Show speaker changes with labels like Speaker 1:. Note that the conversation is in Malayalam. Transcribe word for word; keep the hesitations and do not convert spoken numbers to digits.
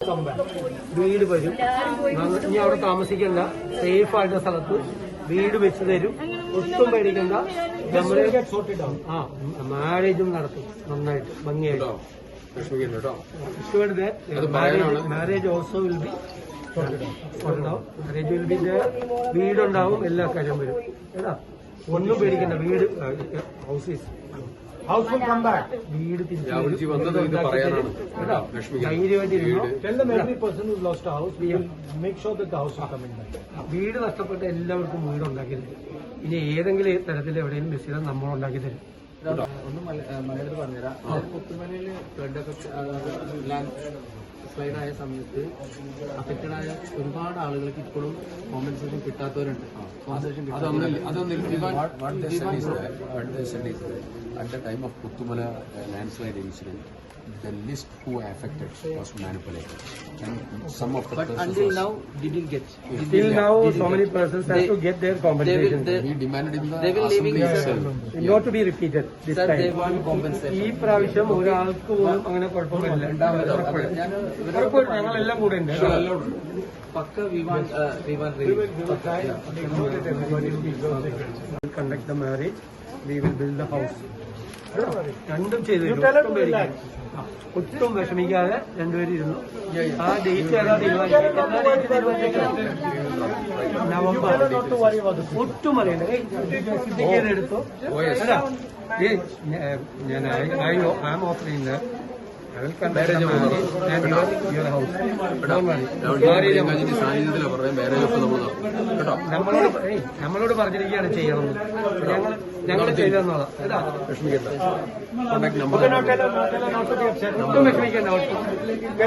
Speaker 1: വീട് വരും. ഇനി അവിടെ താമസിക്കേണ്ട, സേഫ് ആയിട്ടുള്ള സ്ഥലത്ത് വീട് വെച്ച് തരും. ഒട്ടും പേടിക്കണ്ട. നമ്മള് ആ മാരേജും നടത്തും നന്നായിട്ട് ഭംഗിയായിട്ട്. മാരേജ് ഓൾസോ വിൽ ബി ഉണ്ടാവും. മാരേജ് വിൽ ബി വീടുണ്ടാവും, എല്ലാ കാര്യം വരും. ഏതാ ഒന്നും പേടിക്കണ്ട. വീട് house house will come back. വീട് ധൈര്യമായിട്ടിരുന്നോ. വീട് നഷ്ടപ്പെട്ട എല്ലാവർക്കും വീട് ഉണ്ടാക്കി തരും. ഇനി ഏതെങ്കിലും തരത്തിൽ എവിടെയെങ്കിലും മിസ് ചെയ്താൽ നമ്മൾ ഉണ്ടാക്കി തരും.
Speaker 2: ഒന്ന് മലയാളത്തിൽ പറഞ്ഞുതരാം. പുത്തുമലയില് ഫ്ലഡൊക്കെ സ്ലൈഡ് ആയ സമയത്ത് അഫക്റ്റഡ് ആയ ഒരുപാട് ആളുകൾക്ക് ഇപ്പോഴും കോമ്പൻസേഷൻ കിട്ടാത്തവരുണ്ട്.
Speaker 3: At the time of Puttumala uh, landslide incident, the list who were affected was manipulated, and some of the
Speaker 2: but
Speaker 3: persons
Speaker 2: until
Speaker 3: was,
Speaker 2: now didn't get.
Speaker 1: Still now, so many persons have to get their compensation.
Speaker 2: They,
Speaker 3: we demanded in the
Speaker 2: they will
Speaker 3: assembly
Speaker 2: leaving
Speaker 3: itself.
Speaker 1: Not to be repeated this
Speaker 2: Sir,
Speaker 1: time.
Speaker 2: they want compensation.
Speaker 1: ഈ പ്രാവശ്യം ഒരാൾക്ക് പോലും അങ്ങനെ കുഴപ്പമില്ല. ഉറപ്പായിട്ടും ഞങ്ങളെല്ലാം കൂടെ ഉണ്ട്.
Speaker 2: പക്ക Vivaan Vivaan
Speaker 1: conduct the marriage, we will build the house. രണ്ടും ചെയ്തു. ഒട്ടും വിഷമിക്കാതെ രണ്ടുപേരും ഇരുന്നു. ആ ഡേറ്റ് ഏതാ തീരുമാനിച്ചത്? നവംബർ. ഒട്ടും അറിയണ്ട. ടിക്കറ്റ് എടുത്തു. ഞാൻ I am offering I will conduct the marriage and your, your house. നമ്മളോട് നമ്മളോട് പറഞ്ഞിരിക്കുകയാണ് ചെയ്യണമെന്ന്. ഞങ്ങൾ ഞങ്ങൾ ചെയ്തു തന്നോളാം. ഒട്ടും വിഷമിക്കേണ്ട.